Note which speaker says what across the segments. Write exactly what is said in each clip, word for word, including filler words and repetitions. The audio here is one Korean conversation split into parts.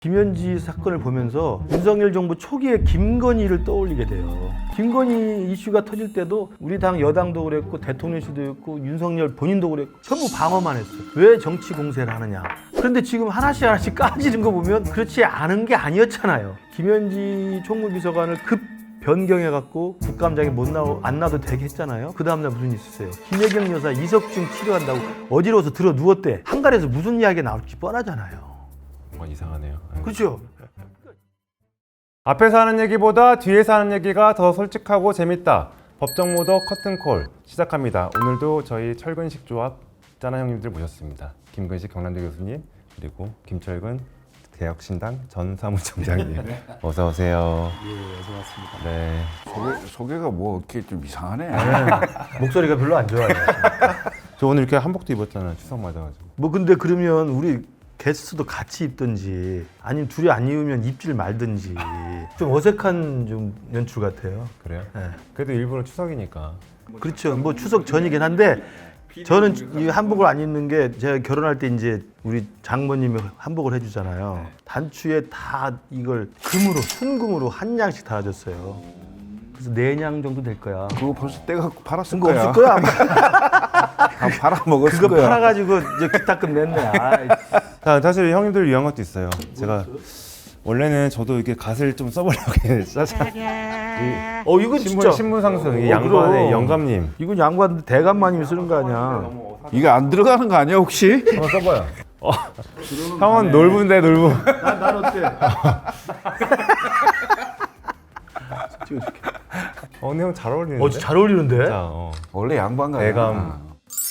Speaker 1: 김현지 사건을 보면서 윤석열 정부 초기에 김건희를 떠올리게 돼요. 김건희 이슈가 터질 때도 우리 당 여당도 그랬고 대통령실도 그랬고 윤석열 본인도 그랬고 전부 방어만 했어요. 왜 정치 공세를 하느냐. 그런데 지금 하나씩 하나씩 까지는 거 보면 그렇지 않은 게 아니었잖아요. 김현지 총무비서관을 급 변경해갖고 국감장에 못 나오, 안 나도 되게 했잖아요. 그 다음날 무슨 일 있었어요? 김혜경 여사 이석증 치료한다고 어지러워서 들어 누웠대. 한갈에서 무슨 이야기가 나올지 뻔하잖아요.
Speaker 2: 뭔가 이상하네요.
Speaker 1: 그렇죠?
Speaker 2: 앞에서 하는 얘기보다 뒤에서 하는 얘기가 더 솔직하고 재밌다. 법정 모더 커튼콜 시작합니다. 오늘도 저희 철근식 조합 짠한 형님들 모셨습니다. 김근식 경남대 교수님 그리고 김철근 개혁신당 전 사무총장님 어서 오세요.
Speaker 3: 예, 어서 왔습니다.
Speaker 2: 네.
Speaker 3: 소개, 소개가 뭐 이렇게 좀 이상하네.
Speaker 1: 목소리가 별로 안 좋아요.
Speaker 2: 저 오늘 이렇게 한복도 입었잖아요. 추석 맞아가지고.
Speaker 1: 뭐 근데 그러면 우리 게스트도 같이 입든지 아니면 둘이 안 입으면 입질 말든지 좀 어색한 좀 연출 같아요.
Speaker 2: 그래요?
Speaker 1: 네.
Speaker 2: 그래도 일부러 추석이니까.
Speaker 1: 그렇죠. 뭐 추석 전이긴 한데 저는 이 한복을 안 입는 게 제가 결혼할 때 이제 우리 장모님이 한복을 해주잖아요. 단추에 다 이걸 금으로 순금으로 한 양씩 달아줬어요. 그래서 네 냥 정도 될 거야.
Speaker 3: 그거 벌써 때가 팔았을
Speaker 1: 그거
Speaker 3: 거야.
Speaker 1: 없을 거야 아마.
Speaker 3: 다 팔아 먹었을
Speaker 1: 그거
Speaker 3: 거야.
Speaker 1: 팔아가지고 이제 기타금 냈네. 아이.
Speaker 2: 자, 사실 형님들 위한 것도 있어요. 제가 원래는 저도 이렇게 갓을 좀 써보려고 했는데 짜잔. 이
Speaker 1: 어 이거
Speaker 2: 신문,
Speaker 1: 진짜
Speaker 2: 신문 상승 이
Speaker 1: 어,
Speaker 2: 양반의
Speaker 1: 그럼.
Speaker 2: 영감님
Speaker 1: 이건 양반 대감마님이 쓰는 거 아니야.
Speaker 3: 이게 안 들어가는 거 아니야 혹시?
Speaker 2: 한번 써봐요. 어. 형은 놀부인데 놀부.
Speaker 1: 난, 난 어때? 찍어줄게.
Speaker 2: 어, 근데 형 잘 어울리는데?
Speaker 1: 어, 잘 어울리는데?
Speaker 2: 자, 어.
Speaker 3: 원래 양반가.
Speaker 2: 대감.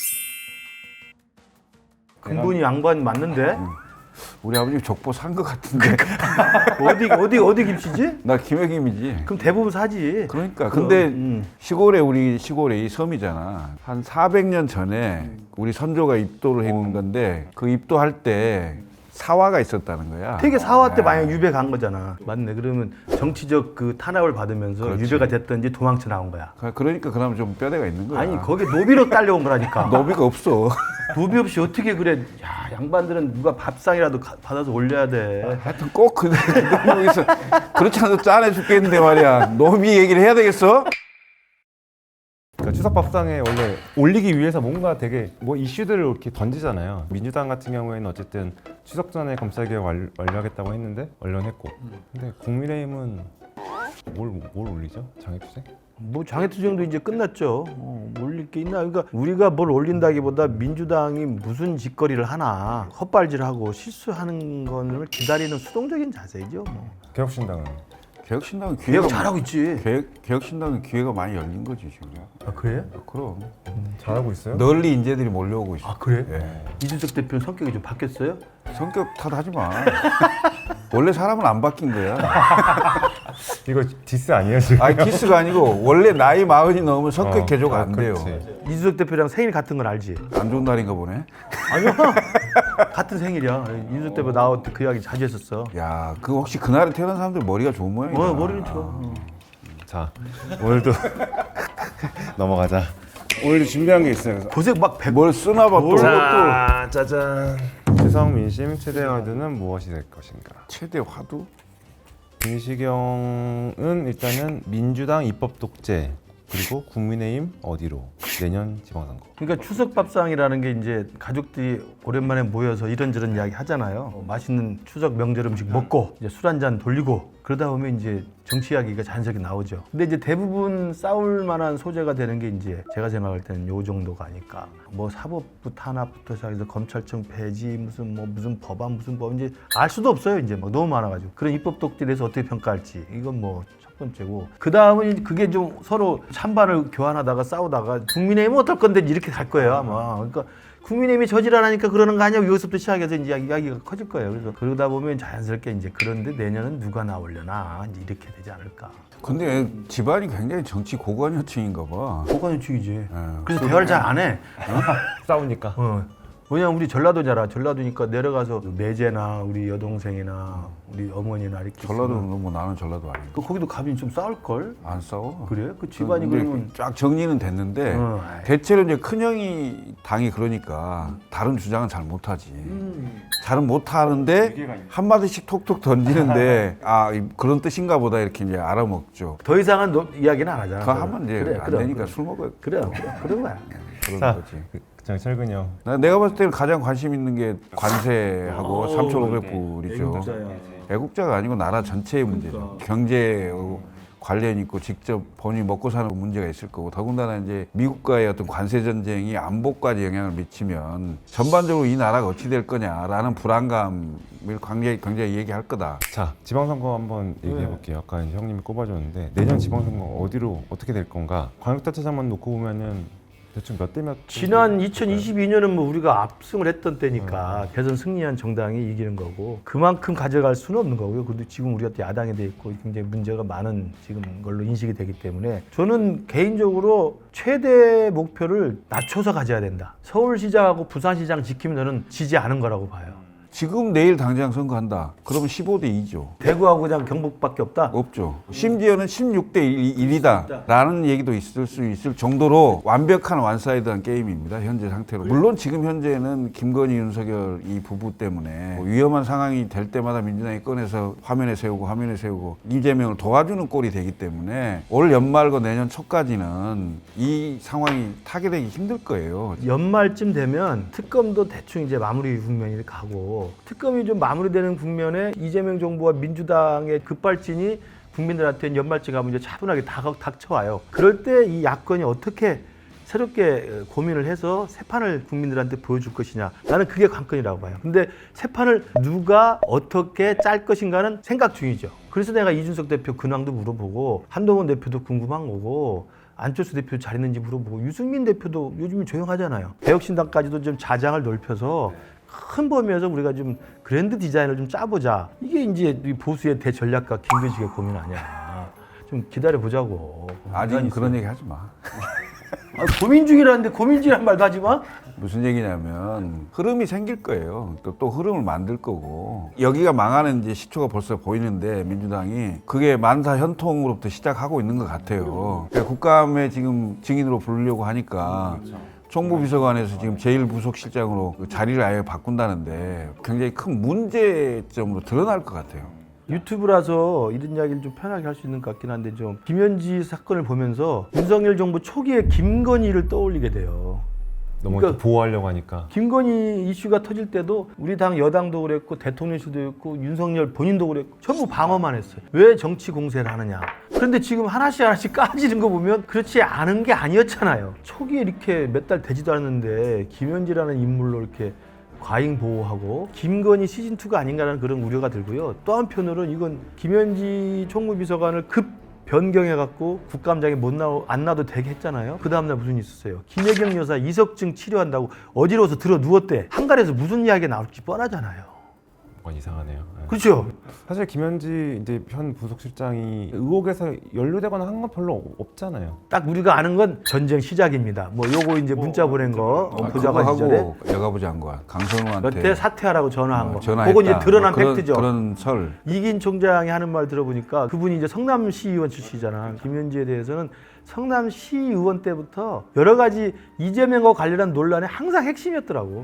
Speaker 1: 근본이 양반 맞는데?
Speaker 3: 우리 아버님 족보 산 거 같은데.
Speaker 1: 어디 어디 어디 김씨지?
Speaker 3: 나 김혜김이지.
Speaker 1: 그럼 대부분 사지.
Speaker 3: 그러니까 근데
Speaker 1: 음.
Speaker 3: 시골에 우리 시골에 이 섬이잖아. 한 사백 년 전에 우리 선조가 입도를 했는 건데 그 입도할 때 사화가 있었다는 거야.
Speaker 1: 되게 사화 때
Speaker 3: 네.
Speaker 1: 만약 유배 간 거잖아. 맞네. 그러면 정치적 그 탄압을 받으면서
Speaker 3: 그렇지.
Speaker 1: 유배가 됐든지 도망쳐 나온 거야.
Speaker 3: 그러니까 그나마 좀 뼈대가 있는 거야.
Speaker 1: 아니 거기 노비로 딸려온 거라니까.
Speaker 3: 노비가 없어.
Speaker 1: 노비 없이 어떻게 그래? 야 양반들은 누가 밥상이라도 가- 받아서 올려야 돼.
Speaker 3: 하여튼 꼭 그, 여기서 그렇지 않아도 짠해 죽겠는데 말이야. 노비 얘기를 해야 되겠어?
Speaker 2: 그러니까 추석 밥상에 원래 올리기 위해서 뭔가 되게 뭐 이슈들을 이렇게 던지잖아요. 민주당 같은 경우에는 어쨌든 추석 전에 검찰개혁 완- 완료하겠다고 했는데 완료했고. 근데 국민의힘은 뭘, 뭘 올리죠? 장애투쟁?
Speaker 1: 뭐 장애투쟁도 이제 끝났죠. 어, 올릴 게 있나? 그러니까 우리가 뭘 올린다기보다 민주당이 무슨 짓거리를 하나 헛발질하고 실수하는 거를 기다리는 수동적인 자세죠. 뭐.
Speaker 2: 개혁신당은?
Speaker 3: 개혁신당은 기회가
Speaker 1: 개혁 잘하고 있지.
Speaker 3: 개혁, 개혁신당은 기회가 많이 열린 거지 지금.
Speaker 1: 아 그래?
Speaker 3: 그럼
Speaker 2: 잘하고 있어요?
Speaker 3: 널리 인재들이 몰려오고 있어.
Speaker 1: 아 그래?
Speaker 3: 예.
Speaker 1: 이준석 대표는 성격이 좀 바뀌었어요?
Speaker 3: 성격 탓하지 마. 원래 사람은 안 바뀐 거야.
Speaker 2: 이거 디스 아니에요 지금?
Speaker 3: 아니 키스가 아니고 원래 나이 마흔이 넘으면 성격
Speaker 2: 어,
Speaker 3: 개조가
Speaker 2: 아,
Speaker 3: 안 돼요.
Speaker 2: 그렇지.
Speaker 1: 이준석 대표랑 생일 같은 건 알지?
Speaker 3: 안 좋은 날인가 보네.
Speaker 1: 아니요. 같은 생일이야. 이준석 대표 나올 때 그 이야기 자주 했었어.
Speaker 3: 야, 그 혹시 그날에 태어난 사람들 머리가 좋은 모양이다.
Speaker 1: 어, 머리는 좋아. 어.
Speaker 2: 자, 오늘도 넘어가자. 오늘도 준비한 게 있어요.
Speaker 1: 고생 막 백.
Speaker 3: 뭘 쓰나 봐 또.
Speaker 2: 자, 짜잔. 추석 민심 최대 화두는 무엇이 될 것인가?
Speaker 3: 최대 화두?
Speaker 2: 김시경은 일단은 민주당 입법 독재 그리고 국민의힘 어디로 내년 지방선거.
Speaker 1: 그러니까 추석 밥상이라는 게 이제 가족들이 오랜만에 모여서 이런저런 이야기 하잖아요. 어, 맛있는 추석 명절 음식 먹고 이제 술 한잔 돌리고 그러다 보면 이제 정치 이야기가 자연스럽게 나오죠. 근데 이제 대부분 싸울 만한 소재가 되는 게 이제 제가 생각할 때는 요 정도가 아닐까. 뭐 사법부 탄압부터 시작해서 검찰청 폐지 무슨 뭐 무슨 법안 무슨 법 이제 알 수도 없어요. 이제 막 너무 많아가지고 그런 입법 독재에 대해서 어떻게 평가할지 이건 뭐. 첫 번째고 그 다음은 그게 좀 서로 찬반을 교환하다가 싸우다가 국민의힘은 어떨 건데 이렇게 갈 거예요 아마. 그러니까 국민의힘이 저질 안 하니까 그러는 거 아니야 여기서부터 시작해서 이제 이야기가 커질 거예요. 그래서 그러다 보면 자연스럽게 이제 그런데 내년은 누가 나오려나 이제 이렇게 되지 않을까.
Speaker 3: 근데 집안이 굉장히 정치 고관여층인가 봐.
Speaker 1: 고관유축이지.
Speaker 3: 예.
Speaker 1: 그래서 대화를 잘 안 해.
Speaker 2: 싸우니까.
Speaker 1: 어. 왜냐면 우리 전라도잖아. 전라도니까 내려가서 매제나 우리 여동생이나 우리 어머니나 이렇게
Speaker 3: 전라도는
Speaker 1: 있으면
Speaker 3: 뭐 나는 전라도 아니고
Speaker 1: 그 거기도 가면 좀 싸울 걸.
Speaker 3: 안 싸워.
Speaker 1: 그래? 그 집안이
Speaker 3: 근데
Speaker 1: 그러면
Speaker 3: 쫙 정리는 됐는데
Speaker 1: 어,
Speaker 3: 대체로 이제 큰형이 당이 그러니까 다른 주장은 잘 못하지.
Speaker 1: 음.
Speaker 3: 잘은 못하는데 한 마디씩 톡톡 던지는데 아 이- 그런 뜻인가 보다 이렇게 이제 알아먹죠.
Speaker 1: 더 이상은 너, 이야기는 안 하잖아.
Speaker 3: 그거 하면 이제
Speaker 1: 그래,
Speaker 3: 안
Speaker 1: 그래,
Speaker 3: 되니까
Speaker 1: 그래.
Speaker 3: 술 먹어요.
Speaker 1: 그래, 그래, 그런 거야.
Speaker 3: 그런
Speaker 2: 자,
Speaker 3: 거지.
Speaker 2: 저 철근이 형.
Speaker 3: 나- 내가 봤을 때는 가장 관심 있는 게 관세하고
Speaker 1: 어,
Speaker 3: 삼천오백 불이죠. 애국자가 아니고 나라 전체의 문제죠. 경제 관련 있고 직접 본인이 먹고 사는 문제가 있을 거고 더군다나 이제 미국과의 어떤 관세 전쟁이 안보까지 영향을 미치면 전반적으로 이 나라가 어찌 될 거냐라는 불안감을 굉장히 굉장히 얘기할 거다.
Speaker 2: 자, 지방선거 한번 얘기해 볼게요. 아까 이제 형님이 꼽아줬는데 내년 지방선거 어디로 어떻게 될 건가? 광역단체장만 놓고 보면은 대충 몇 대 몇?
Speaker 1: 지난 이천이십이 년은 뭐 우리가 압승을 했던 때니까 대선 승리한 정당이 이기는 거고 그만큼 가져갈 수는 없는 거고요. 그래도 지금 우리가 또 야당이 돼 있고 굉장히 문제가 많은 지금 걸로 인식이 되기 때문에 저는 개인적으로 최대 목표를 낮춰서 가져야 된다. 서울시장하고 부산시장 지키면 저는 지지 않은 거라고 봐요.
Speaker 3: 지금 내일 당장 선거한다. 그러면 십오 대 이죠.
Speaker 1: 대구하고 그냥 경북밖에 없다.
Speaker 3: 없죠. 심지어는 십육 대 일이다 라는 얘기도 있을 수 있을 정도로 완벽한 완사이드한 게임입니다. 현재 상태로. 물론 지금 현재는 김건희, 윤석열 이 부부 때문에 뭐 위험한 상황이 될 때마다 민주당이 꺼내서 화면에 세우고 화면에 세우고 이재명을 도와주는 꼴이 되기 때문에 올 연말과 내년 초까지는 이 상황이 타개되기 힘들 거예요.
Speaker 1: 연말쯤 되면 특검도 대충 이제 마무리 국면이 가고 특검이 좀 마무리되는 국면에 이재명 정부와 민주당의 급발진이 국민들한테 연말쯤 가면 이제 차분하게 닥, 닥쳐와요. 그럴 때 이 야권이 어떻게 새롭게 고민을 해서 새 판을 국민들한테 보여줄 것이냐. 나는 그게 관건이라고 봐요. 근데 새 판을 누가 어떻게 짤 것인가는 생각 중이죠. 그래서 내가 이준석 대표 근황도 물어보고 한동훈 대표도 궁금한 거고 안철수 대표 잘 있는지 물어보고 유승민 대표도 요즘은 조용하잖아요. 개혁신당까지도 좀 자장을 넓혀서 큰 범위에서 우리가 좀 그랜드 디자인을 좀 짜보자. 이게 이제 이 보수의 대전략가 김근식의 고민 아니야. 좀 기다려보자고.
Speaker 3: 아직은 그런 얘기 하지 마.
Speaker 1: 아, 고민 중이라는데 고민 중이란 말도 하지 마.
Speaker 3: 무슨 얘기냐면 흐름이 생길 거예요. 또, 또 흐름을 만들 거고 여기가 망하는 이제 시초가 벌써 보이는데 민주당이 그게 만사 현통으로부터 시작하고 있는 것 같아요. 그러니까 국감에 지금 증인으로 부르려고 하니까 총무비서관에서 지금 제일 부속실장으로 그 자리를 아예 바꾼다는데 굉장히 큰 문제점으로 드러날 것 같아요.
Speaker 1: 유튜브라서 이런 이야기를 좀 편하게 할 수 있는 것 같긴 한데 좀 김현지 사건을 보면서 윤석열 정부 초기에 김건희를 떠올리게 돼요.
Speaker 2: 너무
Speaker 1: 그러니까
Speaker 2: 보호하려고 하니까.
Speaker 1: 김건희 이슈가 터질 때도 우리 당 여당도 그랬고 대통령실도 그랬고 윤석열 본인도 그랬고 전부 방어만 했어요. 왜 정치 공세를 하느냐. 그런데 지금 하나씩 하나씩 까지는 거 보면 그렇지 않은 게 아니었잖아요. 초기에 이렇게 몇 달 되지도 않았는데 김현지라는 인물로 이렇게 과잉 보호하고 김건희 시즌이가 아닌가라는 그런 우려가 들고요. 또 한편으로는 이건 김현지 총무비서관을 급 변경해갖고 국감장에 못 나오, 안 나도 되게 했잖아요. 그 다음날 무슨 일이 있었어요. 김혜경 여사 이석증 치료한다고 어디로서 들어 누웠대. 한갈에서 무슨 이야기가 나올지 뻔하잖아요.
Speaker 2: 뭔가 이상하네요. 네.
Speaker 1: 그렇죠?
Speaker 2: 사실 김현지 이제 현 부속실장이 의혹에서 연루되거나 한 건 별로 없잖아요.
Speaker 1: 딱 우리가 아는 건 전쟁 시작입니다. 뭐 요거 이제 문자 보낸 거 어,
Speaker 3: 아,
Speaker 1: 보좌관
Speaker 3: 그거
Speaker 1: 시절에
Speaker 3: 하고 여가부 장관 강선우한테
Speaker 1: 몇 대 사퇴하라고 전화한
Speaker 3: 어,
Speaker 1: 거.
Speaker 3: 전화했다.
Speaker 1: 그건 이제 드러난
Speaker 3: 뭐 그런,
Speaker 1: 팩트죠.
Speaker 3: 그런 설.
Speaker 1: 이긴 총장이 하는 말 들어보니까 그분이 이제 성남시 의원 출신이잖아. 김현지에 대해서는 성남시 의원 때부터 여러 가지 이재명과 관련한 논란의 항상 핵심이었더라고.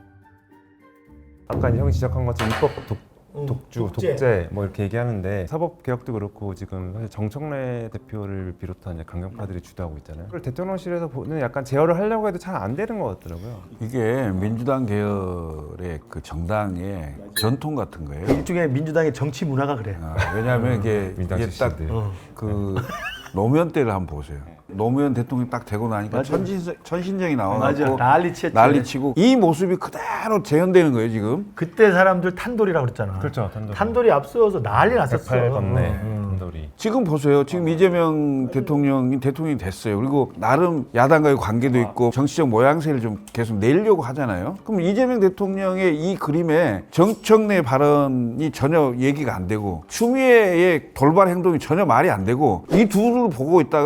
Speaker 2: 아까 형이 지적한 것처럼 입법 독,
Speaker 1: 어,
Speaker 2: 독주,
Speaker 1: 독재.
Speaker 2: 독재. 뭐 이렇게 얘기하는데 사법 개혁도 그렇고 지금 사실 정청래 대표를 비롯한 이제 강경파들이 주도하고 있잖아요. 그걸 대통령실에서 보는 약간 제어를 하려고 해도 잘 안 되는 것 같더라고요.
Speaker 3: 이게 민주당 계열의 그 정당의 전통 같은 거예요.
Speaker 1: 일종의 민주당의 정치 문화가 그래.
Speaker 3: 아, 왜냐하면 이게,
Speaker 2: 민당
Speaker 3: 이게
Speaker 2: 출신들.
Speaker 1: 어.
Speaker 3: 딱 그 노무현 때를 한번 보세요. 노무현 대통령이 딱 되고 나니까
Speaker 1: 맞아.
Speaker 3: 천신, 천신정이
Speaker 1: 맞아.
Speaker 3: 나와갖고
Speaker 1: 난리치였지.
Speaker 3: 난리치고 이 모습이 그대로 재현되는 거예요 지금.
Speaker 1: 그때 사람들 탄돌이라고 그랬잖아.
Speaker 2: 그렇죠. 탄돌이.
Speaker 1: 탄돌이 앞서서 난리 났었어.
Speaker 2: 백팔 건네
Speaker 1: 어, 어.
Speaker 2: 탄돌이.
Speaker 3: 지금 보세요. 지금 이재명 대통령이 대통령이 됐어요. 그리고 나름 야당과의 관계도 있고 정치적 모양새를 좀 계속 내려고 하잖아요. 그럼 이재명 대통령의 이 그림에 정청래 발언이 전혀 얘기가 안 되고 추미애의 돌발 행동이 전혀 말이 안 되고 이 둘을 보고 있다가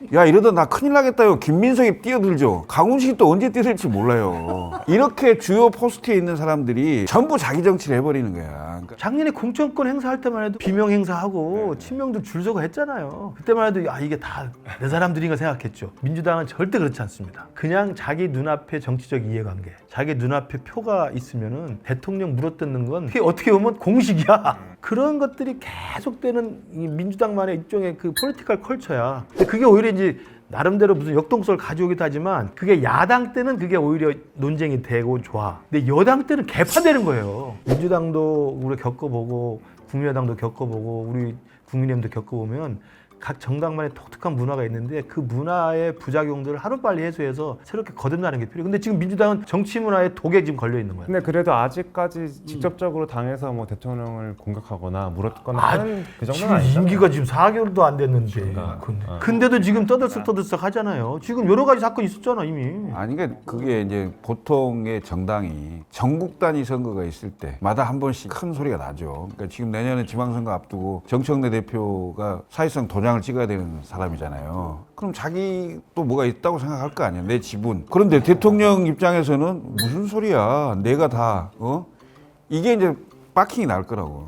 Speaker 3: 야 이러다 나 큰일 나겠다요. 김민석이 뛰어들죠. 강훈식이 또 언제 뛰어들지 몰라요. 이렇게 주요 포스트에 있는 사람들이 전부 자기 정치를 해버리는 거야. 그러니까
Speaker 1: 작년에 공천권 행사할 때만 해도 비명 행사하고 친명들 줄 서고 했잖아요. 그때만 해도 아 이게 다 내 사람들인가 생각했죠. 민주당은 절대 그렇지 않습니다. 그냥 자기 눈앞에 정치적 이해관계, 자기 눈앞에 표가 있으면은 대통령 물어뜯는 건 그게 어떻게 보면 공식이야. 그런 것들이 계속되는 이 민주당만의 일종의 그 포리티컬 컬처야. 근데 그게 오히려 이제 나름대로 무슨 역동성을 가져오기도 하지만 그게 야당 때는 그게 오히려 논쟁이 되고 좋아. 근데 여당 때는 개파되는 거예요. 민주당도 우리 겪어보고 국민의당도 겪어보고 우리 국민의힘도 겪어보면 각 정당만의 독특한 문화가 있는데 그 문화의 부작용들을 하루빨리 해소해서 새롭게 거듭나는 게 필요해요. 근데 지금 민주당은 정치 문화의 독에 지금 걸려 있는 거예요.
Speaker 2: 근데 그래도 아직까지 직접적으로 당에서 뭐 대통령을 공격하거나 물었거나
Speaker 1: 아,
Speaker 2: 하는 그 정도는
Speaker 1: 지금
Speaker 2: 아니잖아요.
Speaker 1: 임기가 지금 사 개월도 안 됐는데
Speaker 2: 그러니까.
Speaker 1: 근데,
Speaker 2: 아.
Speaker 1: 근데도 지금 떠들썩떠들썩 하잖아요. 지금 여러 가지 사건이 있었잖아 이미.
Speaker 3: 아니 그러니까 그게 이제 보통의 정당이 전국 단위 선거가 있을 때마다 한 번씩 큰 소리가 나죠. 그러니까 지금 내년에 지방선거 앞두고 정청래 대표가 사실상 도장을 찍어야 되는 사람이잖아요. 그럼 자기 또 뭐가 있다고 생각할 거 아니야. 내 지분. 그런데 대통령 입장에서는 무슨 소리야. 내가 다 어? 이게 이제 빡킹이 날 거라고.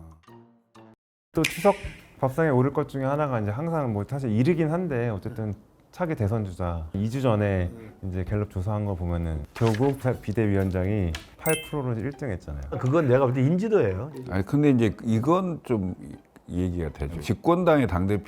Speaker 2: 또 추석 밥상에 오를 것 중에 하나가 이제 항상 뭐 사실 이르긴 한데 어쨌든 차기 대선 주자 이 주 전에 이제 갤럽 조사한 거 보면은 조국 비대위원장이 팔 퍼센트로 일 등 했잖아요.
Speaker 1: 그건 내가 볼 때 인지도예요.
Speaker 3: 아니 근데 이제 이건 좀 얘기가 되죠. 집권당의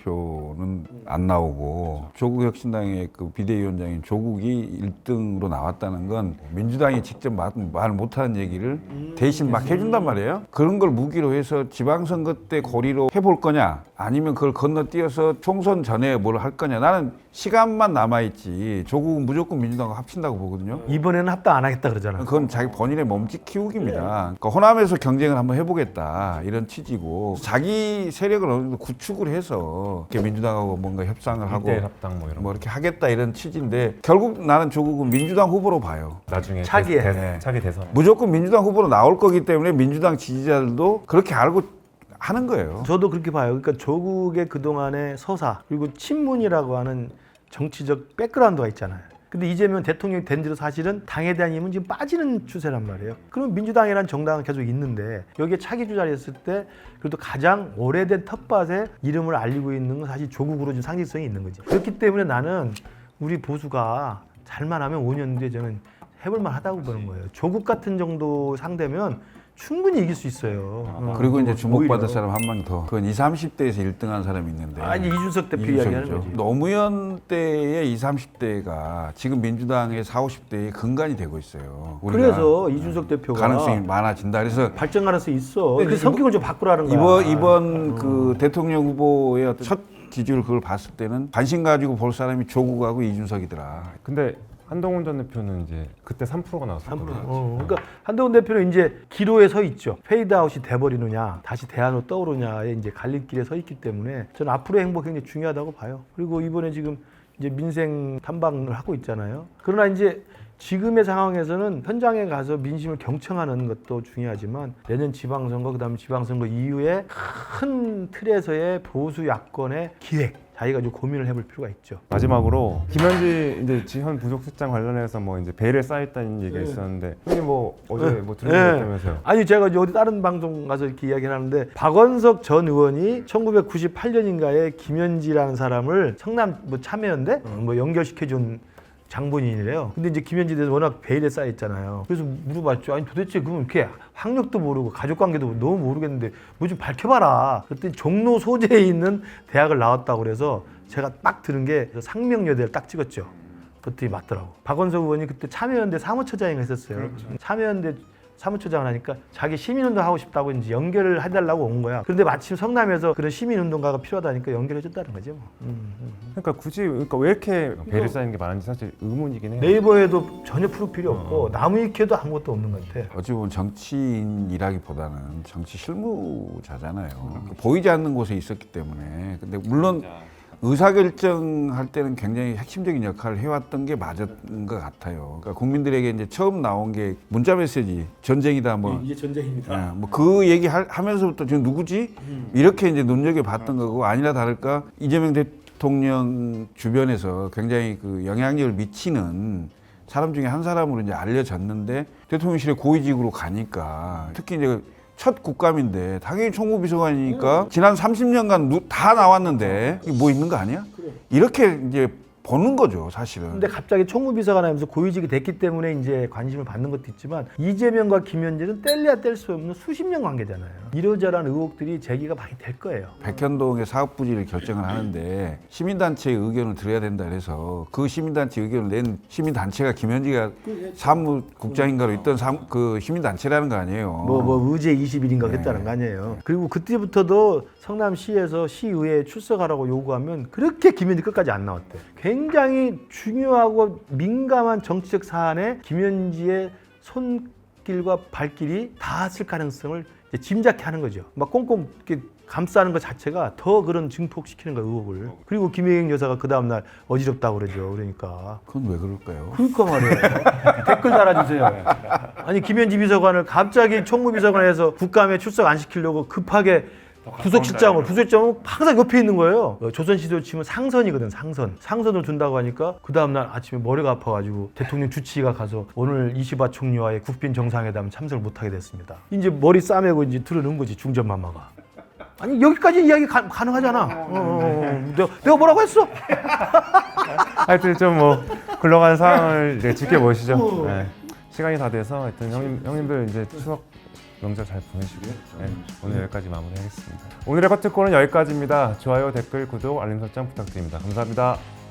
Speaker 3: 당대표는 안 나오고 조국 혁신당의 그 비대위원장인 조국이 일 등으로 나왔다는 건 민주당이 직접 말, 말 못하는 얘기를 대신 막 해준단 말이에요. 그런 걸 무기로 해서 지방선거 때 고리로 해볼 거냐 아니면 그걸 건너뛰어서 총선 전에 뭘 할 거냐. 나는 시간만 남아있지 조국은 무조건 민주당과 합친다고 보거든요.
Speaker 1: 이번에는 합당 안 하겠다 그러잖아.
Speaker 3: 그건 자기 본인의 몸집 키우기입니다. 그러니까 호남에서 경쟁을 한번 해보겠다 이런 취지고 자기 세력을 어느 정도 구축을 해서 이렇게 민주당하고 뭔가 협상을 하고
Speaker 2: 일대일 합당 뭐 이런
Speaker 3: 뭐
Speaker 2: 거.
Speaker 3: 이렇게 하겠다 이런 취지인데 결국 나는 조국은 민주당 후보로 봐요.
Speaker 2: 나중에
Speaker 1: 차기에.
Speaker 2: 대, 대,
Speaker 3: 네.
Speaker 2: 차기 대선.
Speaker 3: 무조건 민주당 후보로 나올 거기 때문에 민주당 지지자들도 그렇게 알고 하는 거예요.
Speaker 1: 저도 그렇게 봐요. 그러니까 조국의 그동안의 서사 그리고 친문이라고 하는 정치적 백그라운드가 있잖아요. 근데 이재명 대통령이 된 뒤로 사실은 당에 대한 힘은 지금 빠지는 추세란 말이에요. 그러면 민주당이라는 정당은 계속 있는데 여기에 차기 주자를 했을 때 그래도 가장 오래된 텃밭에 이름을 알리고 있는 건 사실 조국으로 좀 상징성이 있는 거지. 그렇기 때문에 나는 우리 보수가 잘만 하면 오 년 뒤에 저는 해볼만 하다고 보는 거예요. 조국 같은 정도 상대면 충분히 이길 수 있어요. 어,
Speaker 3: 그리고 이제 주목받을
Speaker 1: 오히려.
Speaker 3: 사람 한 명 더. 그건 이십, 삼십 대에서 일 등 한 사람이 있는데.
Speaker 1: 아니 이준석 대표
Speaker 3: 이준석이죠.
Speaker 1: 이야기하는 거지.
Speaker 3: 노무현 때의 이십, 삼십 대가 지금 민주당의 사십, 오십 대의 근간이 되고 있어요. 우리가
Speaker 1: 그래서 이준석 대표가
Speaker 3: 가능성이 많아진다. 그래서
Speaker 1: 발전 가능성이 있어.
Speaker 3: 근데
Speaker 1: 그 성격을 좀 바꾸라는 거야.
Speaker 3: 이번 이번 그 대통령 후보의 어떤 첫 기준을 그걸 봤을 때는 관심 가지고 볼 사람이 조국하고 이준석이더라.
Speaker 2: 근데 한동훈 전 대표는 이제 그때 삼 퍼센트가
Speaker 1: 삼 퍼센트.
Speaker 2: 나왔었거든요.
Speaker 1: 어, 그러니까 한동훈 대표는 이제 기로에 서 있죠. 페이드아웃이 돼버리느냐, 다시 대안으로 떠오르냐의 이제 갈림길에 서 있기 때문에 저는 앞으로의 행복 굉장히 중요하다고 봐요. 그리고 이번에 지금 이제 민생 탐방을 하고 있잖아요. 그러나 이제 지금의 상황에서는 현장에 가서 민심을 경청하는 것도 중요하지만 내년 지방선거 그다음에 지방선거 이후에 큰 틀에서의 보수 야권의 기획 자기가 좀 고민을 해볼 필요가 있죠.
Speaker 2: 마지막으로 김현지 이제 지현 부속실장 관련해서 뭐 이제 베일에 쌓였다는 얘기가 있었는데 형님 뭐 어제
Speaker 1: 네.
Speaker 2: 뭐 들은 거
Speaker 1: 네.
Speaker 2: 있다면서요?
Speaker 1: 아니 제가 이제 어디 다른 방송 가서 이렇게 이야기를 하는데 박원석 전 의원이 천구백구십팔 년인가에 김현지라는 사람을 성남 뭐 참여연대 어, 뭐 연결시켜준 장본인이래요. 근데 이제 김현지에 대해서 워낙 베일에 쌓여 있잖아요. 그래서 물어봤죠. 아니 도대체 그럼 이렇게 학력도 모르고 가족 관계도 너무 모르겠는데 뭐 좀 밝혀봐라. 그랬더니 종로 소재에 있는 대학을 나왔다고 그래서 제가 딱 들은 게 상명여대를 딱 찍었죠. 그랬더니 맞더라고. 박원석 의원이 그때 참여연대 사무처장을 했었어요. 참여연대 사무처장을 하니까 자기 시민운동 하고 싶다고 이제 연결을 해달라고 온 거야. 그런데 마침 성남에서 그런 시민운동가가 필요하다니까 연결해줬다는 거죠. 뭐. 음, 음.
Speaker 2: 그러니까 굳이 그러니까 왜 이렇게 베일에 쌓이는 게 많은지 사실 의문이긴 해요.
Speaker 1: 네이버에도 전혀 프로필이 없고 나무위키에도 아무것도 없는 것 같아.
Speaker 3: 어찌 보면 정치인이라기보다는 정치 실무자잖아요. 그 보이지 않는 곳에 있었기 때문에. 근데 물론 의사결정할 때는 굉장히 핵심적인 역할을 해왔던 게 맞았던 것 같아요. 그러니까 국민들에게 이제 처음 나온 게 문자 메시지 전쟁이다 뭐.
Speaker 1: 이게 전쟁입니다.
Speaker 3: 뭐 그 얘기 할- 하면서부터 지금 누구지? 이렇게 이제 눈여겨 봤던 거고 아니나 다를까 이재명 대, 대통령 주변에서 굉장히 그 영향력을 미치는 사람 중에 한 사람으로 이제 알려졌는데 대통령실에 고위직으로 가니까 특히 이제 첫 국감인데 당연히 총무비서관이니까 지난 삼십 년간 누, 다 나왔는데 이게 뭐 있는 거 아니야? 이렇게 이제 보는 거죠, 사실은.
Speaker 1: 근데 갑자기 총무비서관 하면서 고위직이 됐기 때문에 이제 관심을 받는 것도 있지만 이재명과 김현진은 뗄래야 뗄 수 없는 수십 년 관계잖아요. 이러저러한 의혹들이 제기가 많이 될 거예요.
Speaker 3: 백현동의 사업 부지를 결정을 하는데 시민단체의 의견을 들어야 된다 그래서 그 시민단체 의견을 낸 시민단체가 김현지가 사무국장인가로 있던 사무, 그 시민단체라는 거 아니에요.
Speaker 1: 뭐, 뭐 의제 이십 일인가 그랬다는 거 아니에요. 그리고 그때부터도 성남시에서 시의회에 출석하라고 요구하면 그렇게 김현지 끝까지 안 나왔대. 굉장히 중요하고 민감한 정치적 사안에 김현지의 손길과 발길이 닿았을 가능성을 이제 짐작케 하는 거죠. 막 꽁꽁 이렇게 감싸는 것 자체가 더 그런 증폭시키는 거예요, 의혹을. 그리고 김혜경 여사가 그 다음날 어지럽다고 그러죠. 그러니까.
Speaker 3: 그건 왜 그럴까요?
Speaker 1: 그러니까 말이에요. 댓글 달아주세요. 아니 김현지 비서관을 갑자기 총무비서관에서 국감에 출석 안 시키려고 급하게 부서실장으로 부서실장은 항상 옆에 있는 거예요. 어, 조선시대로 치면 상선이거든, 상선. 상선을 둔다고 하니까 그 다음날 아침에 머리가 아파가지고 대통령 주치의가 가서 오늘 이시바 총리와의 국빈 정상회담 참석을 못하게 됐습니다. 이제 머리 싸매고 이제 들어놓은 거지, 중전마마가. 아니 여기까지 이야기 가, 가능하잖아. 어, 어, 어. 내가, 내가 뭐라고 했어?
Speaker 2: 하여튼 좀 뭐 굴러가는 상황을 이제 지켜보시죠. 네. 시간이 다 돼서 하여튼 형님, 형님들 이제 추석 명절 잘 보내시고요. 네, 오늘 여기까지 마무리하겠습니다. 오늘의 커트콜은 여기까지입니다. 좋아요, 댓글, 구독, 알림 설정 부탁드립니다. 감사합니다.